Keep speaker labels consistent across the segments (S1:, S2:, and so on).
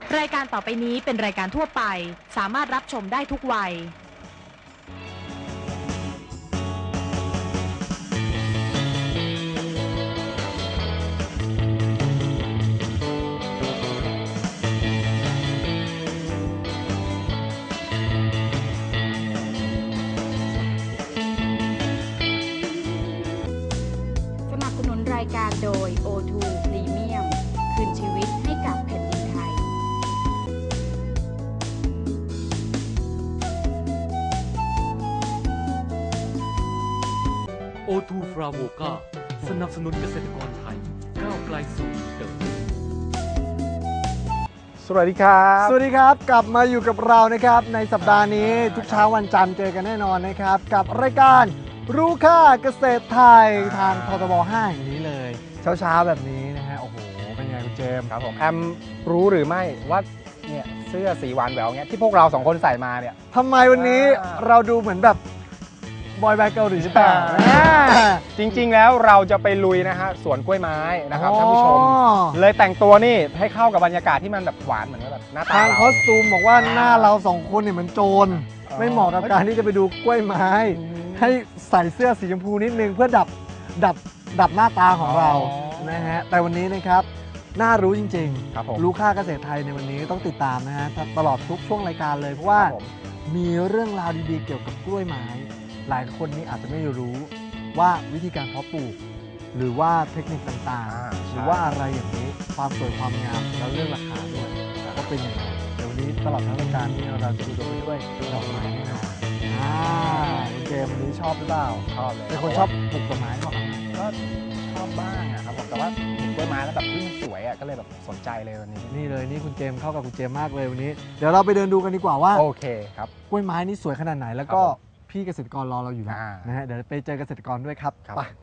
S1: รายการต่อไปนี้เป็นรายการทั่วไปสามารถรับชมได้ทุกวัย
S2: สนับสนุนรายการโดย O2 Premium คืนชีวิตให้กับแผ่นดินไทย
S3: O2 ฟราโวกาสนับสนุนเกษตรกรไทยก้าวไกลสู่เดิม
S4: สวัสดีครับ
S5: สวัสดีครับกลับมาอยู่กับเรานะครับในสัปดาห์นี้ทุกเช้าวันจันทร์เจอกันแน่นอนนะครับกับรายการรู้ค่าเกษตรไทยทางททบ5อย่างนี้เลย เช้าแบบนี้นะฮะโอ้โหเป็นไงคุณเจมส์
S4: ครับผมแอมรู้หรือไม่ว่าเนี่ยเสื้อสีหวานแหววเนี่ยที่พวกเราสองคนใส่มาเนี่ย
S5: ทำไมวันนี้เราดูเหมือนแบบบอยแบนด์เกาหลีหรือเปล่า
S4: จริงๆแล้วเราจะไปลุยนะฮะสวนกล้วยไม้นะครับท่านผู้ชมเลยแต่งตัวนี่ให้เข้ากับบรรยากาศที่มันแบบหวานเหมือนกับแบบหน้าตา
S5: ทาง
S4: เรา
S5: คอสตูมบอกว่าหน้าเราสองคนเนี่ยเหมือนโจรไม่เหมาะกับการที่จะไปดูกล้วยไม้ ให้ใส่เสื้อสีชมพูนิดนึงเพื่อดับหน้าตาของเรานะฮะแต่วันนี้นะครับน่ารู้จริง
S4: ครับผม
S5: ๆรู้ค่าเกษตรไทยในวันนี้ต้องติดตามนะฮะตลอดทุกช่วงรายการเลยเพราะว่า
S4: ครับผม
S5: มีเรื่องราวดีๆเกี่ยวกับกล้วยไม้ หลายคนนี้อาจจะไม่รู้ว่าวิธีการเพาะปลูก หรือว่าเทคนิคต่างๆ หรือว่าอะไรอย่างนี้ความสวยความงามแล้วเรื่องราคาด้วยก็เป็นยังไงเดี๋ยววันนี้ตลอดทั้งรายการนี้เราจะดูไปด้วยดอกไม้แน่นอนคุณเกมวันนี้ชอบหรือเปล่า
S4: ชอบเลย
S5: เป็นคนชอบปลูกต้นไม้เปล่าครับ
S4: ก็ชอบบ้างอะครับผมแต่ว่าเห็นกล้วยไม้แล้วแบบที่มันสวยอะก็เลยแบบสนใจเลยวันนี้
S5: นี่เลยนี่คุณเจมส์เข้ากับคุณเจมส์มากเลยวันนี้ เดี๋ยวเราไปเดินดูกันดีกว่าว่า
S4: โอเคครับ
S5: กล้วยไม้นี่สวยขนาดไหนแล้วก็
S4: ครับผม
S5: พี่เกษตรกรรอเราอยู่แล้ว
S4: อ่าน
S5: นะฮะเดี๋ยวไปเจอเกษตรกรด้วยครับ
S4: ครับ
S5: ไป
S4: ไป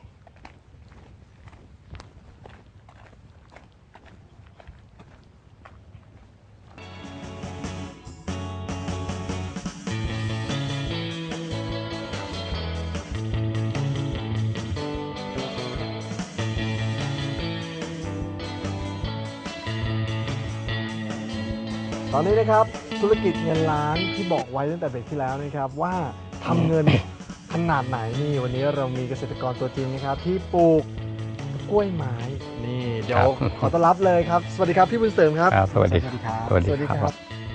S5: ตอนนี้นะครับธุรกิจเงินล้านที่บอกไว้ตั้งแต่เบรกที่แล้วนะครับว่าทำเงินขนาดไหนนี่วันนี้เรามีเกษตรกรตัวจริงนะครับที่ปลูกกล้วยไม้นี่เดี๋ยวขอต้อนรับเลยครับสวัสดีครับพี่บุญเสริมครับ
S6: ครับสวัสดีครับ สวัสดีครับ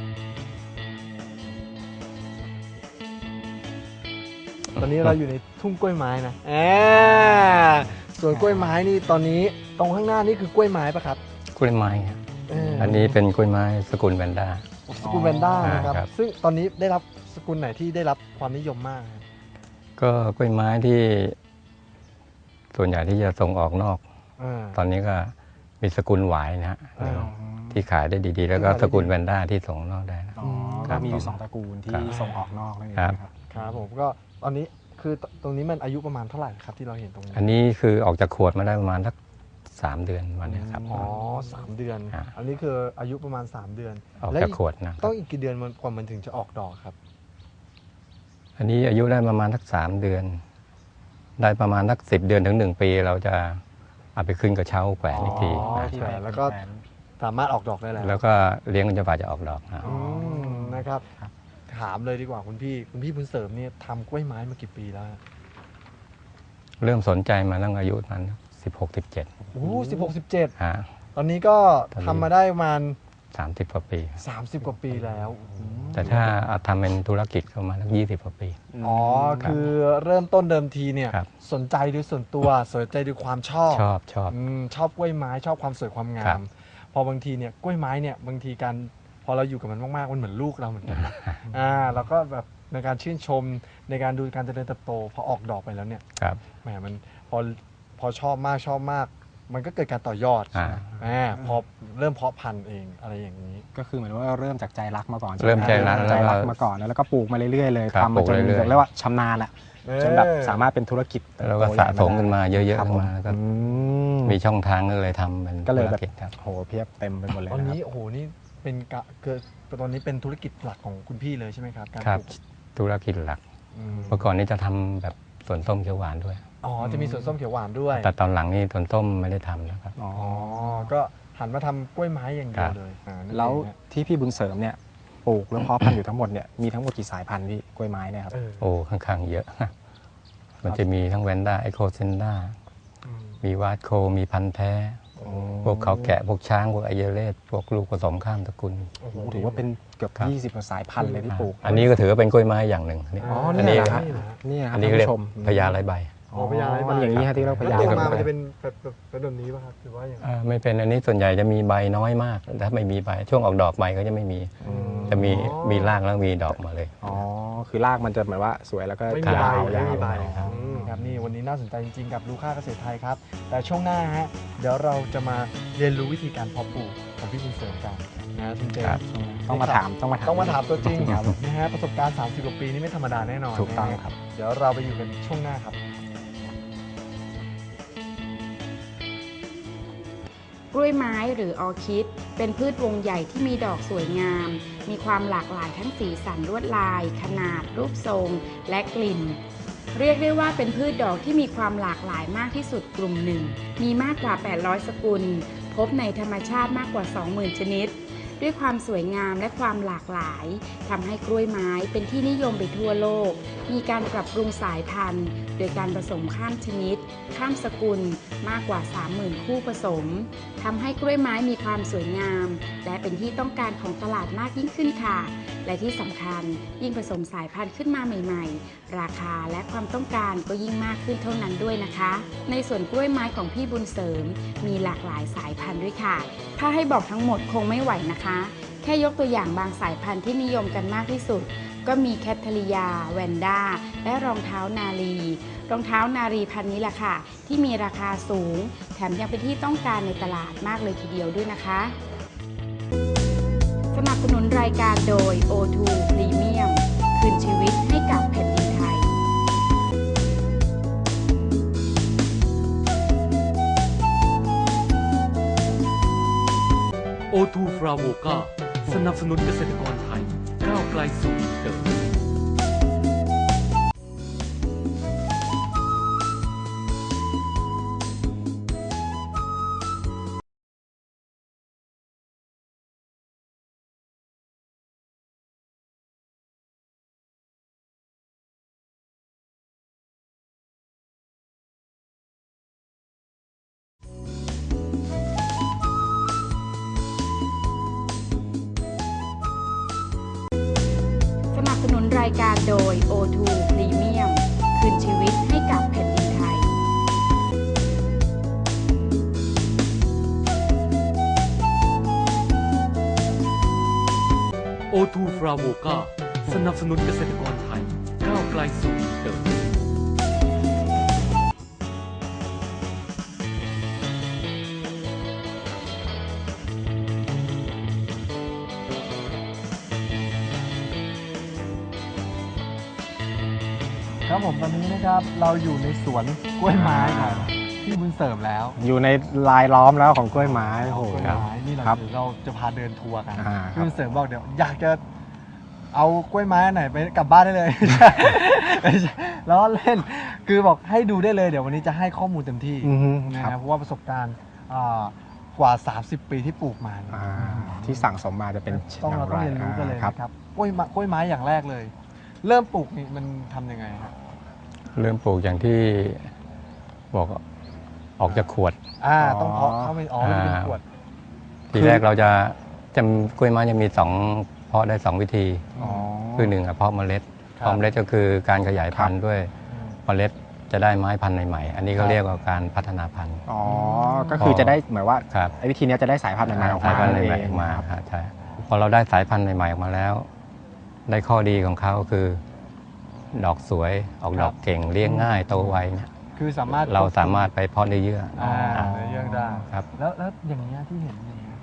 S5: ตอนนี้เราอยู่ในทุ่งกล้วยไม้นะส่วนกล้วยไม้นี่ตอนนี้ตรงข้างหน้านี่คือกล้วยไม้ปะครับ
S6: กล้วยไม้ครับ
S5: อั
S6: อันนี้เป็นกล้วยไม้สกุลแวนด้า
S5: สกุลแวนด้านะครับ
S6: ครับ
S5: ซึ่งตอนนี้ได้รับสกุลไหนที่ได้รับความนิยมมากครับ
S6: ก็กล้วยไม้ที่ส่วนใหญ่ที่จะส่งออกนอก ตอนนี้ก็มีสกุลหวายนะฮะ
S5: อ่า
S6: ที่ขายได้ดีๆ แล้วก็สกุลแวนด้าที่ส่งนอกได้นะ
S4: อ๋อ
S6: ครั
S4: ก็
S6: บ
S4: มีอยู่
S6: ผม
S4: สองตระกูลที่
S6: ครับ
S4: ส่งออกนอกนั่นเอง
S6: ครับ
S4: นะครับ
S5: ครับผมก็ตอนนี้คือตรงนี้มันอายุประมาณเท่าไหร่ครับที่เราเห็นตรงนี้
S6: อันนี้คือออกจากขวดมาได้ประมาณสัก3 เดือนวันเนี้ยครับ
S5: อ๋อ3 เดือน
S6: ฮะ
S5: อันนี้คืออายุประมาณ3 เดือน
S6: ออก
S5: และ
S6: จากขวดนะ
S5: ต้องอีกกี่เดือนกว่ามันถึงจะออกดอกครับ
S6: อันนี้อายุได้ประมาณสัก3 เดือน ได้ประมาณสัก10 เดือนถึง1 ปี เราจะเอาไปขึ้นกระเช้าแขวนอีกที
S5: อ๋อ
S6: นะ
S5: แขวนแล้วก็สามารถออกดอกได้แล้ว
S6: แล้วก็เลี้ยงจนกว่าจะออกดอกนะ
S5: นะครับถามเลยดีกว่าคุณพี่บุญเสริมเนี่ยทำกล้วยไม้มากี่ปีแล้วฮะ
S6: เริ่มสนใจมาตั้งอายุประมัน16-17
S5: โอ้16-17
S6: ฮะ
S5: ตอนนี้ก็
S6: ตอนนี้
S5: ทำมาได้ประมาณ
S6: 30 กว่าปี
S5: 30 กว่าปีแล้ว
S6: แต่ถ้าเอาทำเป็นธุรกิจก็ประมาณสัก20 กว่าปี
S5: อ๋อคือเริ่มต้นเดิมทีเนี่ย
S6: ครับ
S5: สนใจด้วยส่วนตัวสนใจด้วยความชอบ
S6: ชอบ
S5: ชอบกล้วยไม้ชอบความสวยความงา
S6: ครั
S5: ม
S6: บ
S5: พอบางทีเนี่ยกล้วยไม้เนี่ยบางทีการพอเราอยู่กับมันมากๆมันเหมือนลูกเราเหมือนกันนะแล้วก็แบบในการชื่นชมในการดูการเจริญเติบโตพอออกดอกไปแล้วเนี่ย
S6: ครับ
S5: แหมมันพอชอบมากมันก็เกิดการต่อยอด พอเริ่มเพาะพันธุ์เองอะไรอย่างนี้
S4: ก็คือเหมือนว่าเริ่มจากใจรักมาก่อนช่ไห
S6: เริ่มใจรัก
S4: ใจรัก
S6: แล้วก็
S4: มาก่อนแล้วก็ปลูกมาเรื่อยๆเลย
S6: ครับ
S4: ทำมาจน
S6: ปลูกเรื่อยๆ
S4: เรียกว่าชำนาญอะจนแบบสามารถเป็นธุรกิจเติบโต
S6: แล้วก็สะสมขึ้นมาเยอะ
S4: ครับ
S6: ๆขึ้นมาแล้วก็
S5: อืม
S6: มีช่องทางก็เลยทำเป็น
S4: ก็เลย
S6: ธุ
S4: แบ
S6: ร
S4: บ
S6: กิจครับ
S4: โหเพียบเต็มไปหมดเลย
S5: ตอน
S4: นะค
S5: นี้
S4: รับ
S5: โอ้โหนี่เป็นตอนนี้เป็นธุรกิจหลักของคุณพี่เลยใช่ไหมครับการ
S6: ครับ
S5: ปลูก
S6: ธุรกิจหลัก
S5: อืม
S6: เมื่อก่อนนี้จะทำแบบสวนส้มเขียวหวานด้วย
S5: อ๋อจะมีสวนส้มเขียวหวานด้วย
S6: แต่ตอนหลังนี่สวนส้มไม่ได้ทำนะครับ
S5: อ๋อก็หันมาทำกล้วยไม้อย่างเดียวเลยนั่น
S4: แล้ว
S5: เองฮะ
S4: ที่พี่บุญเสริมเนี่ยปลูกแล้วเพาะพันธุ์อยู่ทั้งหมดเนี่ยมีทั้งหมดกี่สายพันธุ์พี่กล้วยไม้เนี่ยครับ
S6: โอ้ค่อนข้างเยอะ มันจะมีทั้งแวนด้าไอโคเซนด้า
S5: อืม
S6: มีวาดโคมีพันธุ์แท้ พวกเขาแกะพวกช้างพวกไอเยเลสพวกลูกผสมข้ามตระกูล
S5: โอ้โห
S4: ถือว่าเป็นเกือบ
S6: ครับ
S4: 20กว่าสายพันธุ์เลยที่ปลูก
S6: อันนี้ก็ถือว่าเป็นกล้วยไม้อย่างหนึ่ง
S4: อ๋อ
S6: อัน
S4: นี่
S6: นี้
S4: แหละ
S6: ค
S4: ค
S6: รั
S4: รั
S6: บบ
S4: นี่ค
S6: อั
S4: รับ
S6: นนี้ก็เรียก
S4: ท่านผู้ชม
S6: พญาไรใบ
S5: อ๋อพญาไรใบ
S4: มันอย่างนี้ฮะที่เราพญา
S5: แล้ว
S4: ไร
S5: ออกมา
S4: ใบ
S5: มันจะเป็นแบบนี้ป่ะครับหรือว่าอย่างไร
S6: ไม่เป็นอันนี้ส่วนใหญ่จะมีใบน้อยมากถ้าไม่มีใบช่วงออกดอกใบก็จะไม่มี จะมีรากแล้วมีดอกมาเลย
S4: อ๋อคือรากมันจะเหมือนว่าสวยแล้วก็
S5: ไม่มีใบ
S4: ยาว
S5: ไม่มีใบ
S4: ยาว
S5: ครับนี่วันนี้น่าสนใจจริงๆกับลูค่าเกษตรไทยครับ แต่ช่วงหน้าฮะเดี๋ยวเราจะมาเรียนรู้วิธีการเพาะปลูกของพี่บุญเสริมกันนะคุณเจม
S6: ครับ
S5: ส์
S4: ต้องมาถามต้องมาถาม
S5: ต้องมาถามตัวจริง
S4: ครับ
S5: นะฮะประสบการณ์ 30 กว่าปีนี่ไม่ธรรมดาแน่นอน
S4: ถูกต้อง
S5: นะฮะ
S4: ครับ
S5: เดี๋ยวเราไปอยู่กันช่วงหน้าครับ
S2: กล้วยไม้หรือออร์คิด เป็นพืชวงใหญ่ที่มีดอกสวยงาม มีความหลากหลายทั้งสีสันลวดลาย ขนาด รูปทรง และกลิ่น เรียกได้ว่าเป็นพืชดอกที่มีความหลากหลายมากที่สุดกลุ่มหนึ่ง มีมากกว่า 800 สกุล พบในธรรมชาติมากกว่า 20,000 ชนิด ด้วยความสวยงามและความหลากหลายทำให้กล้วยไม้เป็นที่นิยมไปทั่วโลก มีการปรับปรุงสายพันธุ์ โดยการผสมข้ามชนิด ข้ามสกุลมากกว่า 30,000 คู่ผสมทำให้กล้วยไม้มีความสวยงาม และเป็นที่ต้องการของตลาดมากยิ่งขึ้นค่ะ และที่สำคัญยิ่งผสมสายพันธุ์ขึ้นมาใหม่ๆ ราคาและความต้องการก็ยิ่งมากขึ้นเท่านั้นด้วยนะคะ ในส่วนกล้วยไม้ของพี่บุญเสริมมีหลากหลายสายพันธุ์ด้วยค่ะ ถ้าให้บอกทั้งหมดคงไม่ไหวนะคะ แค่ยกตัวอย่างบางสายพันธุ์ที่นิยมกันมากที่สุด ก็มีแคทเธอรียา แวนด้า และรองเท้านารี รองเท้านารีพันธุ์นี้แหละค่ะ ที่มีราคาสูง แถมยังเป็นที่ต้องการในตลาดมากเลยทีเดียวด้วยนะคะ สนับสนุนรายการโดย O2 Premium คืนชีวิตให้กับแผ่นดินไทย
S3: โอทูฟราวโวกาสนับสนุนเกษตรกรไทยก้าวไกลสู่อินเตอร์
S2: สนับสนุนรายการโดย O2 Premium คืนชีวิตให้กับแผ่นดินไทย
S3: โอทูฟราวโวกาสนับสนุนเกษตรกรไทยก้าวไกลสู่อินเตอร์
S5: ครับผมตอนนี้นะครับเราอยู่ในสวนกล้วยไม้ของพี่บุญเสริมแล้ว
S4: อยู่ในลายล้อมแล้วของกล้วยไม้โอ้โห
S5: กล้วยไม้นี่
S4: ครับ
S5: เดี๋ยวเราจะพาเดินทัวร์กัน
S4: อ่าครับ
S5: พี่บุญเสริมบอกเดี๋ยวอยากจะเอากล้วยไม้อันไหนไปกลับบ้านได้เลย ไม่ใช่ล้อเล่นคือบอกให้ดูได้เลยเดี๋ยววันนี้จะให้ข้อมูลเต็มที่
S4: อือฮึ
S5: นะ
S4: ค
S5: ค
S4: รั
S5: รับบ เพราะว่าประสบการณ์กว่า 30 ปีที่ปลูกมาเนี่ย
S4: อ่าที่สั่งสมมาจะเป็น
S5: เราต้องเรียนรู้กันเลย
S4: ครับ
S5: นะครับกล้วยไม้อย่างแรกเลย เริ่มปลูกนี่มันทำยังไงครับ
S6: เริ่มปลูกอย่างที่บอกออกจากขวด
S5: ต้องเพาะเข้าไปมันเป็นขวด
S6: ทีแรกเราจะกล้วยไม้จะมีเพาะได้2วิธี
S4: อ๋อ
S6: คือหนึ่งเพาะเมล็ด
S5: ครับ
S6: เพาะเมล็ดก็คือการขยายพันธุ์ด้วย
S5: อืม
S6: เมล็ดจะได้ไม้พันธุ์ใหม่ๆอันนี้
S5: ครั
S6: ก็
S5: บ
S6: เรียกว่าการพัฒนาพันธุ์
S4: อ๋อก็คือจะได้เหมือนว่า
S6: ครับ
S4: ไอ้วิธีเนี้ยจะได้สายพันธุ์ใหม่ๆออก
S6: สาย
S4: มา
S6: พันธุ์ใหม่
S4: เง
S6: ๆออกมา
S4: ครับ
S6: ครับใช่พอเราได้สายพันธุ์ใหม่ๆออกมาแล้ว ได้ข้อดีของเขาคือ ดอกสวยออกดอกเก่งเลี้ยงง่ายโตไวเนี่ย
S5: คือสามารถ
S6: เราสามารถไปเพาะในเยื่อ
S5: ในเรื่องได้
S6: ครับ
S5: แล้วอย่างนี้ยที่เห็นอย่างนี้ย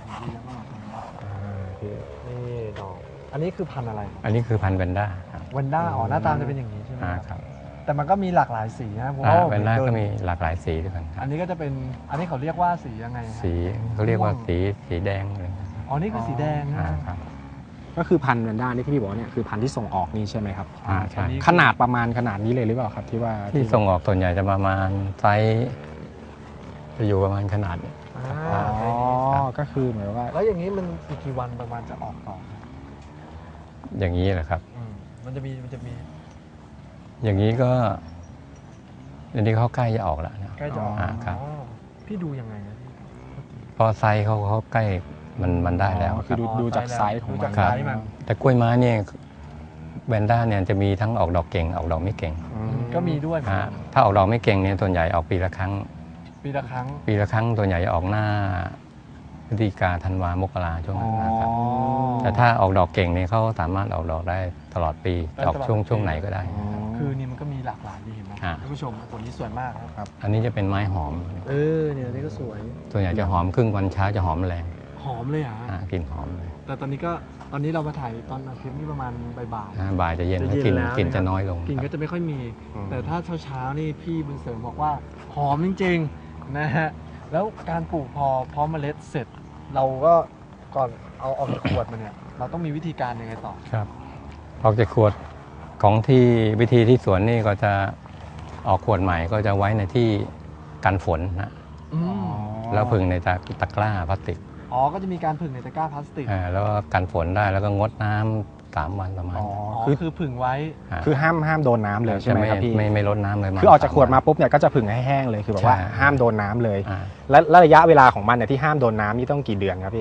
S5: นี่ดอกอันนี้คือพันธุ์อะไร
S6: อันนี้คือพันธุ์แวนด้าครับ
S5: เวนด้าหน้าตาจะเป็นอย่างนี้ใช่ไหม
S6: ครับ
S5: แต่มันก็มีหลากหลายสีนะผม
S6: แวนด้าก็มีหลากหลายสีด้วยกันค
S5: อั
S6: รับ
S5: นนี้ก็จะเป็นอันนี้เขาเรียกว่าสียังไงฮะ
S6: สีเขาเรียกว่าสีแดงเลย
S5: อ๋อนี่คือสีแดงนะ
S6: ครับ
S4: ก็คือพันธุ์แวนด้านี่ที่พี่บอกว่าเนี่ยคือพันธุ์ที่ส่งออกนี่ใช่ไหมครับ
S6: ใช่
S4: ขนาดประมาณขนาดนี้เลยหรือเปล่าครับที่ว่า
S6: ที่ส่งออกส่วนใหญ่จะประมาณไซส์จะอยู่ประมาณขนาดนี้
S5: อ่า
S4: อ๋อก็คือเหมือนว่า
S5: แล้วอย่างนี้มันอีกกี่วันประมาณจะออกต่อ
S6: อย่างนี้แหละครับ
S5: มันจะมี
S6: อย่างนี้ก็อันนี้เขาใกล้จะออกแล้วนะ
S5: ใกล้จะออก
S6: ครับ
S5: อ๋อพี่ดูยังไงนะพี่
S6: พอไซส์เขาใกล้มันได้แล้ว
S4: คือดูจากไซส์ของ
S5: ดู
S4: มั
S5: จาก
S4: น
S5: ไซส์มัน
S6: แต่กล้วยไม้เนี่ยแวนด้าเนี่ยจะมีทั้งออกดอกเก่งออกดอกไม่เก่ง
S5: ก็มีด้วยเหมือนกัน
S6: ถ้าออกดอกไม่เก่งเนี่ยส่วนใหญ่ออกปีละครั้ง
S5: ปีละครั้ง
S6: ปีละครั้งส่วนใหญ่จะออกหน้าพฤศจิกาธันวามกราช่วงนั้นนะครับแต่ถ้าออกดอกเก่งเนี่ยเขาสามารถออกดอกได้ตลอดปีจะออกช่วงไหนก็ได้
S5: คือนี่มันก็มีหลากหลายดีเห็นไหม
S6: ฮะ
S5: ท่านผู้ชมผลนี้สวยมากครับ
S6: อันนี้จะเป็นไม้หอม
S5: เนี่ยนี่ก็สวย
S6: ส่วนใหญ่จะหอมครึ่งวันเช้าจะหอมแรง
S5: หอมเลยอ่ะ
S6: กลิ่นหอมเลย
S5: แต่ตอนนี้เรามาถ่ายตอนอาทิตย์นี่ประมาณบ่าย
S6: บ่ายจะเย็น
S5: ๆ
S6: แล้ว
S5: เย็
S6: กลิ่น
S5: แล้ว
S6: จะน้อยลง
S5: กลิ่น
S6: ค
S5: ก็
S6: รับ
S5: จะไม่ค่อยมี แต่ถ้าเช้าๆนี่พี่บุญเสริมบอกว่าหอมจริงๆนะฮะแล้วการปลูกพอพร้อมเมล็ดเสร็จ เราก็ก่อนเอาออกจากขวดมาเนี่ยเราต้องมีวิธีการยังไงต่อ
S6: ครับออกจากขวดของที่วิธีที่สวนนี่ก็จะออกขวดใหม่ก็จะไว้ในที่กันฝนนะ แล้วพึ่งในตะกร้าพลาสติก
S5: อ๋อก็จะมีการผึ่งในตะกร้าพลาสติก
S6: แล้วก็กันฝนได้แล้วก็งดน้ำ3 วันประมาณ
S4: อ๋อ
S5: อ๋อ
S4: คือ
S5: ผึ่งไว้
S4: คือห้ามโดนน้ำเลยใช่ไหมครับพี่
S6: ไม่ลดน้ำเลย
S4: คือออกจากขวดมาปุ๊บเนี่ยก็จะผึ่งให้แห้งเลยคือแบบว่า
S6: ใช่
S4: ห้ามโดนน้ำเลย
S6: อ่า
S4: และระยะเวลาของมันเนี่ยที่ห้ามโดนน้ำนี่ต้องกี่เดือนครับพี่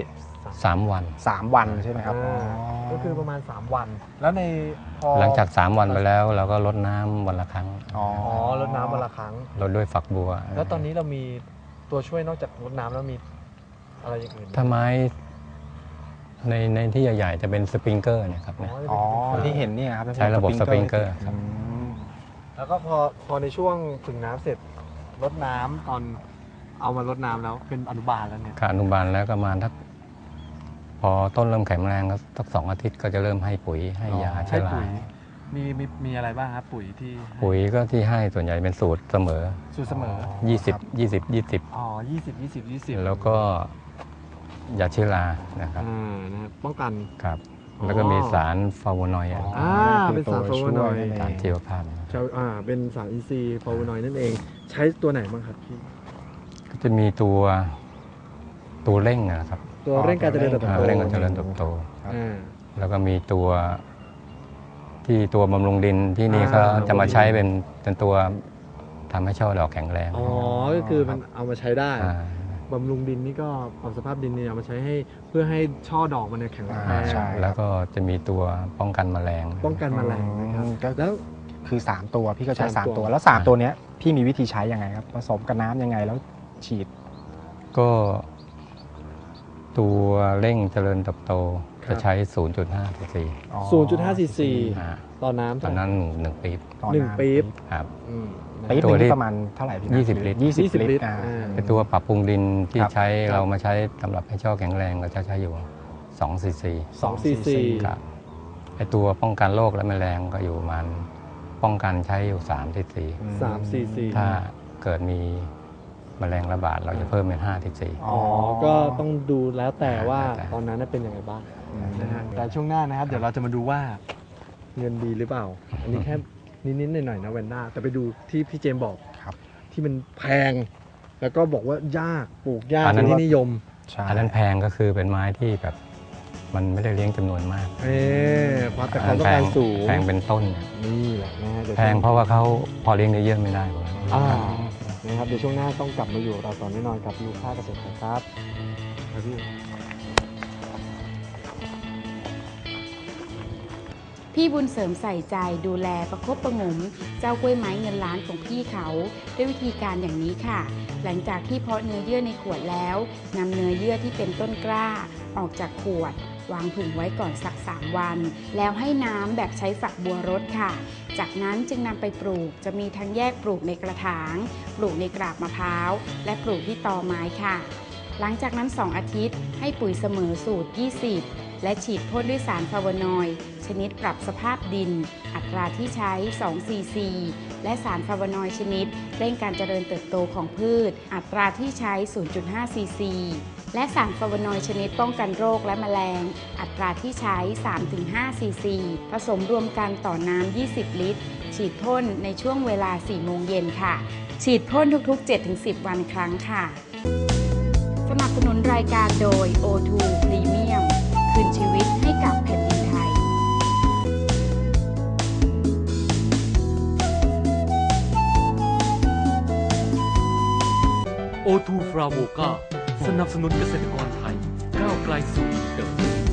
S6: 3 วัน
S4: 3 วันใช่ไหมครับ
S5: ก็คือประมาณ 3 วัน แล้วในพอ
S6: หลังจาก3 วันไปแล้วเราก็ลดน้ำวันละครั้ง
S4: อ๋อ
S5: อ๋อลดน้ำวันละครั้ง
S6: ลดด้วยฝักบัว
S5: แล้วตอนนี้เรามีตัวช่วยนอกจากลดน้ำแล้วมีอะไรอย่างอื่นไหม
S6: ถ้าไม้ในที่ใหญ่ๆจะเป็นสปริงเกอร์เนี่ยครับเนี่ย
S4: อ๋อที่เห็นเนี่ยครับ
S6: ใช้ระบบสปริงเกอร์
S4: อืม
S5: แล้วก็พอในช่วงผึ่งน้ำเสร็จลดน้ำตอนเอามาลดน้ำแล้วเป็นอนุบาลแล้วเนี่ย
S6: ขาอนุบาลแล้วก็มาทักพอต้นเริ่มแข็งแรงก็สัก2 อาทิตย์ก็จะเริ่มให้ปุ๋ยให้ยา
S5: ใช้
S6: เชื้อรา
S5: ปุ๋ยมีอะไรบ้างครับปุ๋ยที่ให้
S6: ปุ๋ยก็ที่ให้ส่วนใหญ่เป็นสูตรเสมอ
S5: สูตรเสมอ
S6: 20
S5: อ๋อ20
S6: แล้วก็ยาเชื้อรานะครับ
S5: นะครับป้องกัน
S6: ครับ
S5: อ๋อ
S6: แล้วก็มีสารฟลาโวนอยด์
S5: เป็นสารฟลาโวนอยด์
S6: สารชีวภาพ
S5: เป็นสารอินทรีย์ฟลาโวนอยด์นั่นเอง ใช้ตัวไหนบ้างครับพี่
S6: ก็จะมีตัวเร่งนะครับ
S5: ตัวเร่งการเจริญเติบโต
S6: เร่งการเจริญเติบโต
S5: อ่า
S6: แล้วก็มีตัวบำรุงดินที่นี่เขาจะมาใช้เป็นตัวทำให้ช่อดอกแข็งแรง
S5: อ๋อก็คือมันเอามาใช้ได้
S6: อ่า
S5: บำรุงดินนี่ก็ปรับสภาพดินเนี่ยเอามาใช้ให้เพื่อให้ช่อดอกมันเนี่ยแข็งแรง
S4: ใช่
S6: แล้วก็จะมีตัวป้องกันแมลง
S5: ป้องกันแมลงนะครับ
S4: ก็
S5: แล้ว
S4: คือ3ตัวพี่ก็ใช้
S5: สามตัว
S4: 3ตัวแล้ว3ตัวเนี้ยพี่มีวิธีใช้ยังไงครับผสมกับน้ำยังไงแล้วฉีด
S6: ก็ตัวเร่งเจริญเติบโตจะใช้ 0.5 cc
S5: 0.5 ซีซี
S6: อ่า
S5: ต่อน้ำ
S6: ตอนนั้น1 ปี๊บ
S4: ต่อ
S5: หนึ่ง
S4: น้ำ
S5: ปี๊บ
S6: ครับ
S4: ปี๊บ
S6: ตัว
S4: นึง
S6: ที่
S4: นี่ประมาณเท่าไหร่พี่นะ
S6: 20 ลิตร
S4: 20 ลิตร
S5: อ่า
S6: เป็นตัวปรับปรุงดินที่
S4: ครับ
S6: ใช้เรามาใช้สำหรับให้ช่อแข็งแรงก็จะใช้อยู่2 cc
S5: 2 ซีซี
S6: ครับไอตัวป้องกันโรคและแมลงก็อยู่ประมาณป้องกันใช้อยู่3 cc
S5: 3 ซีซี
S6: ถ้าเกิดมีแมลงระบาดเราจะเพิ่มเป็น5 cc
S5: อ๋อ ก็ต้องดูแล้วแต่ว่า
S6: แล้วแต่
S5: ตอนนั้นน่ะเป็นยังไงบ้างนะฮะแต่ช่วงหน้านะครับ เดี๋ยวเราจะมาดูว่าเงินดีหรือเปล่า อันนี้แค่นิดๆหน่อยๆนะแวนด้าแต่ไปดูที่พี่เจมส์บอก
S4: ครับ
S5: ที่มันแพง แล้วก็บอกว่ายากปลูกยาก
S6: อันนั้
S5: เป็น
S6: น
S5: ที่นิยม
S4: ใช่
S6: อันนั้นแพงก็คือเป็นไม้ที่แบบมันไม่ได้เลี้ยงจำนวนมาก
S5: เพราะแต่ความต้องการสูง
S6: แพงเป็นต้นเนี่ย
S5: นี่แหละนะฮะดี๋ยว
S6: แพงเพราะว่าเขาพอเลี้ยงเยอะๆไม่ได้หรอก
S5: นะครับเดี๋ยวช่วงหน้าต้องกลับมาอยู่กับเราต่อแน่นอนกับลูกค้าเกษตรครับครับพี่
S2: พี่บุญเสริมใส่ใจดูแลประคบประหงมเจ้ากล้วยไม้เงินล้านของพี่เขาด้วยวิธีการอย่างนี้ค่ะ หลังจากที่เพาะเนื้อเยื่อในขวดแล้วนำเนื้อเยื่อที่เป็นต้นกล้าออกจากขวด วางผึ่งไว้ก่อนสัก 3 วัน แล้วให้น้ำแบบใช้ฝักบัวรดค่ะ จากนั้นจึงนำไปปลูกจะมีทั้งแยกปลูกในกระถางปลูกในกราบมะพร้าวและปลูกที่ตอไม้ค่ะ หลังจากนั้น 2 อาทิตย์ให้ปุ๋ยเสมอสูตร 20 และฉีดพ่นด้วยสารฟลาโวนอยด์ชนิดปรับสภาพดิน อัตราที่ใช้2 ซีซี และสารฟลาโวนอยด์ชนิดเร่งการเจริญเติบโตของพืช อัตราที่ใช้ 0.5 ซีซี และสารฟลาโวนอยด์ชนิดป้องกันโรคและแมลง อัตราที่ใช้ 3-5 ซีซี ผสมรวมกันต่อน้ำ 20 ลิตรฉีดพ่นในช่วงเวลา 4 โมงเย็นค่ะ ฉีดพ่นทุกๆ 7-10 วันครั้งค่ะ สนับสนุนรายการโดย O2 Premium คืนชีวิตให้กับแผ่นดินไทย
S3: O2 ฟราโวกาสนับสนุนเกษตรกรไทยก้าวไกลสู่อินเตอร์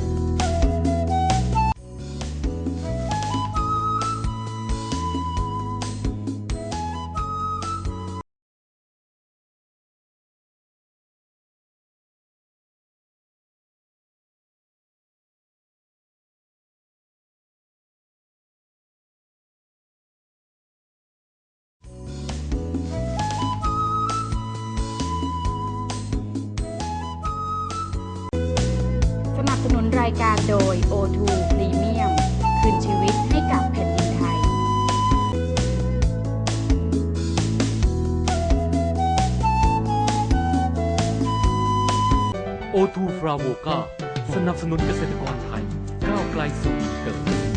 S2: สนับสนุนรายการโดย O2 Premium คืนชีวิตให้กับแผ่นดินไทย
S3: O2 ฟราโวกาสนับสนุนเกษตรกรไทยก้าวไกลสู่อินเตอร์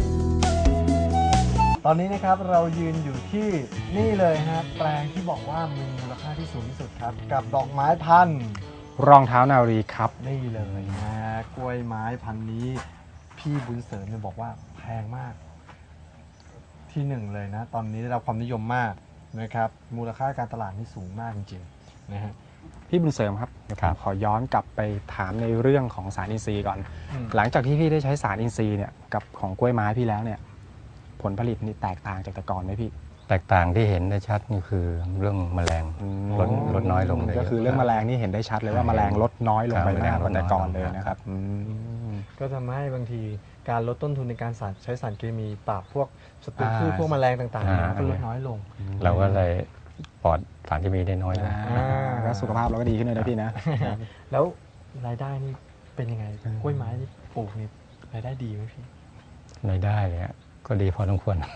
S5: ตอนนี้นะครับเรายืนอยู่ที่นี่เลยฮะแปลงที่บอกว่ามีมูลค่าที่สูงที่สุดครับกับดอกไม้พันธุ์
S4: รองเท้านารีครับ
S5: นี่เลยนะกล้วยไม้พันธุ์นี้พี่บุญเสริมเนี่ยบอกว่าแพงมากที่หนึ่งเลยนะตอนนี้ได้รับความนิยมมากนะครับมูลค่าการตลาดนี่สูงมากจริงๆนะฮะ
S4: พี่บุญเสริมครับเดี๋ยวผมขอย้อนกลับไปถามในเรื่องของสารอินทรีย์ก่อน
S5: อืม
S4: หลังจากที่พี่ได้ใช้สารอินทรีย์เนี่ยกับของกล้วยไม้พี่แล้วเนี่ยผลผลิตนี่แตกต่างจากแต่ก่อนไหมพี่
S6: แตกต่างที่เห็นได้ชัดนี่คือเรื่องแมลงลดน้อยลงเลย
S4: ก็คือเรื่องแมลงนี่เห็นได้ชัดเลยว่าแมลงลดน้อยลงไป
S6: ครับ
S4: มากกว่าแต่ก่อน
S6: แมลงลดน้อย
S4: เลยนะครับอืม
S5: ก็ทำให้บางทีการลดต้นทุนในการใช้สารเคมีปราบพวกศัตรูพืช
S4: อ่า
S5: พวกแมลงต่างๆเนี่ยมันก็ลดน้อยลง
S6: เราก็เลยปลอดสารที่มีได้น้อยลง
S4: แล้วสุขภาพเราก็ดีขึ้นเลยนะพี่นะ
S5: แล้วรายได้นี่เป็นยังไงกล้วยไม้นี่ปลูกนี่รายได้ดีไหมพี่
S6: รายได้เนี่ยก็ดีพอสมควร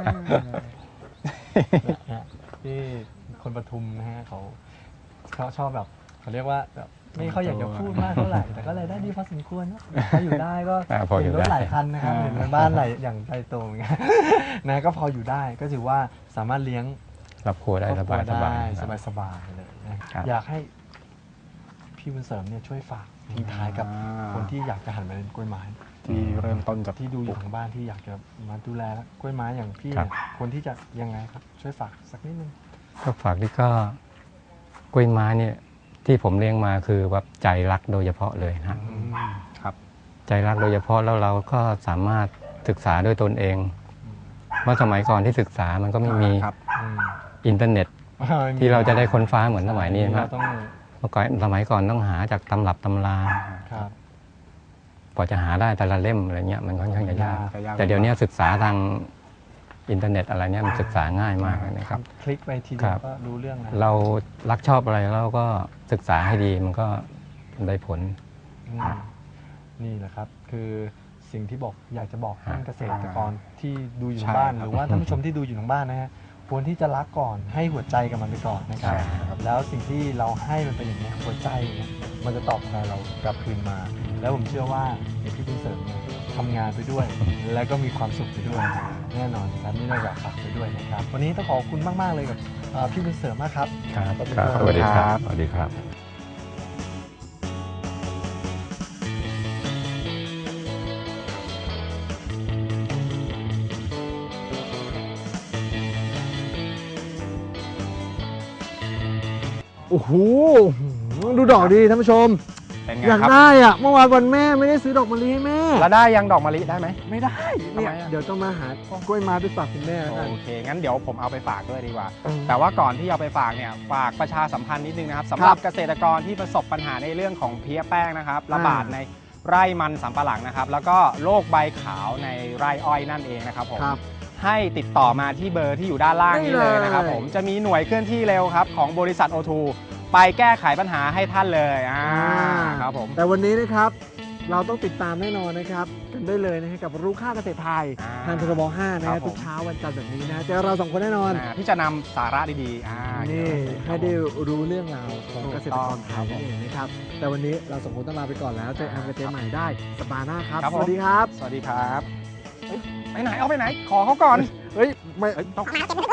S5: ที่คนปทุมนะฮะเขาชอบแบบเขาเรียกว่าแบบไม่เขาอยากจะพูดมากเท่าไหร่แต่ก็รายได้ดีพอสมควรนะพออยู่ได้ก็
S6: พออยู่
S5: เห็นรถ
S6: ได้
S5: หลายคันนะครับเห็นรถบ้านหลายอย่างใหญ่โตอย่างเงี้ยนะก็พออยู่ได้ก็ถือว่าสามารถเลี้ยง
S6: รับครัวได้
S5: คร
S6: ส
S5: อบครั
S6: บายว
S5: ได้สบายๆเลยนะครับ อยากให้พี่บุญเสริมเนี่ยช่วยฝากทิ้งท้ายกับคนที่อยากจะหันมาเล่นกล้วยไม้
S4: ที่เริ่มต้นจาก
S5: ที่ดูอยู่ทางบ้านที่อยากจะมาดูแลกล้วยไม้อย่างพี่เนี่ยคนที่จะยังไงครับช่วยฝากสักนิดนึง
S6: ก็ฝากที่ก็กล้วยไม้เนี่ยที่ผมเลี้ยงมาคือว่าใจรักโดยเฉพาะเลยนะ
S4: ครับ
S6: ใจรักโดยเฉพาะแล้วเราก็สามารถศึกษาด้วยตนเองเมื่อสมัยก่อนที่ศึกษามันก็ไม่มี
S4: ครับ
S6: อินเทอร์เน็ต ที่เราจะได้ค้นฟ้าเหมือนสมัยนี้
S5: เรา
S6: นะ
S5: ต้อง
S6: เมื่อก่อนสมัยก่อนต้องหาจากตำรับตำรา
S5: ครับ
S6: กว่าจะหาได้แต่ละเล่มอะไรเงี้ยมันค่อนข้างจะยาก
S4: ยาก
S6: แต่เดี๋ยวนี้ศึกษาทางอินเทอร์เน็ตอะไรเนี้ยมันศึกษาง่ายมากเลยนะครับ
S5: คลิกไปทีเดี
S6: ค
S5: ย
S6: รั
S5: ว
S6: บ
S5: ก็รู้เรื่องแล้ว
S6: เรารักชอบอะไรเราก็ศึกษาให้ดีมันก็ได้ผล
S5: อืมนี่แหละครับ คือสิ่งที่บอกอยากจะบอกท่านเกษตรกรที่ดูอยู่ทางบ้าน
S4: ใช่ครับ
S5: หรือว่าท่านผู้ชมที่ดูอยู่ทางบ้านนะฮะควรที่จะรักก่อนให้หัวใจกับมันไปก่อนนะครับ
S6: ใช่ครับ
S5: แล้วสิ่งที่เราให้มันเป็นอย่างนี้ยหัวใจเนี่ยมันจะตอบแทนเรากลับคืนมา แล้วผมเชื่อว่าเดี๋ยวพี่บุญเสริมเนี่ยทำงานไปด้วย แล้วก็มีความสุขไปด้วย แน่นอนครับนี่เราอยากฝากไปด้วยนะครับ วันนี้ต้องขอบคุณมากๆเลยกับพี่บุญเสริมมากครับ
S6: ครับ
S5: ขอบคุณ
S6: ครับ
S5: ครับ
S6: สวัสดีครับสวัสดีครับ
S5: โอ้โหดูดอกดีท่านผู้ชม
S4: เป็นไง
S5: อยาก
S4: ครับ
S5: ได้อะเมื่อวานวันแม่ไม่ได้ซื้อดอกมะลิให้แม่
S4: แล้วได้ยังดอกมะลิได้ไหม
S5: ไม่ได้เนี่ย
S4: ทำไมอะ
S5: เดี๋ยวต้องมาหากล้วยไม้ไปฝากคุณแม่แล้วกัน
S4: โอเค งั้นเดี๋ยวผมเอาไปฝากด้วยดีกว่า
S5: เออ
S4: แต่ว่าก่อนที่เอาไปฝากเนี่ยฝากประชาสัมพันธ์นิดนึงนะครับสำหรับเกษตรกรที่ประสบปัญหาในเรื่องของเพลี้ยแป้งนะครับระบาดในไร่มันสำปะหลังนะครับ แล้วก็โรคใบขาวในไร่อ้อยนั่นเองนะครับผม
S5: ครับ
S4: ให้ติดต่อมาที่เบอร์ที่อยู่ด้านล่างนี้เลยนะครับผมจะมีหน่วยเคลื่อนที่เร็วครับของบริษัท O2 ไปแก้ไขปัญหาให้ท่านเลยครับผม
S5: แต่วันนี้นะครับเราต้องติดตามแน่นอนนะครับกันได้เลยนะฮะกับรู้ค่าเกษตรไทยทางทรบ5นะ
S4: ครั
S5: ฮะ
S4: บผม
S5: ทุกเช้าวันจันทร์แบบนี้นะเจอเราสองคนแน่นอน
S4: ที่จะนำสาระดีๆ
S5: นี่
S4: ครั
S5: ให้
S4: บผม
S5: ได้รู้เรื่องราวของเกษตรกรไทย
S4: ถูกต้อง
S5: นั่นเองนะครับแต่วันนี้เราสองคนต้องลาไปก่อนแล้วเจอแอมกับเจใหม่ได้สัปดาห์หน้าครับ
S4: ครับ
S5: ส
S4: ผม
S5: วัสดีครับ
S4: สวัสดีครับเอ้ยไปไหนเอาไปไหน ขอเขาก่อน
S5: เฮ้ยไม่
S4: ต้อง